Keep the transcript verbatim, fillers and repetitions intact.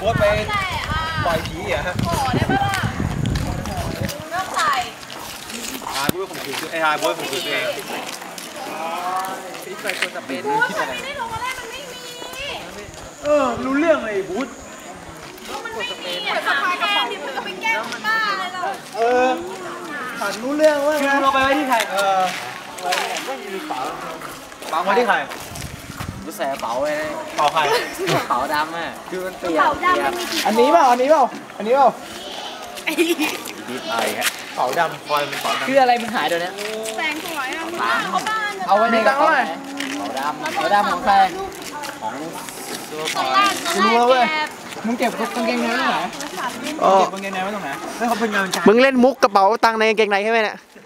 โบ๊ทไปปล่อยผีเหรอฮะขอได้ปะล่ะเริ่มใส่หายโบ๊ทข่มขืนไอ้หายโบ๊ทข่มขืนตัวเองไปตัวจะเป็นบูธมันไม่ได้ลงมาแรกมันไม่มีเออรู้เรื่องเลยบูธมันไม่มีอ่ะสะพายกระเป๋าดิมันก็ไปแก้บ้าเลยเราเออผ่านรู้เรื่องว่าคือเราไปไว้ที่ใครเออไม่มีเป๋าเป๋าไว้ที่ใครรู้แสเป๋าไว้เป๋าใครเป๋าดำอ่ะคือมันเปียกเป๋าดำมันมีกี่อันนี้เปล่าอันนี้เปล่าอันนี้เปล่าดีไอฮะเป๋าดำคอยเป็นเป๋าดำคืออะไรมันหายเดี๋ยวนี้แสงสวยอ่ะมันเอาบ้านเอาไว้ในกระเป๋าเป๋าดำเป๋าดำของใครของตอนแรกตอนแรกแกมึงเก็บกางเกงในไว้ไหนเก็บกางเกงในไว้ตรงไหนให้เขาเป็นงานมึงเล่นมุกกระเป๋าตังค์ในกางเกงในใช่ไหมเนี่ยใ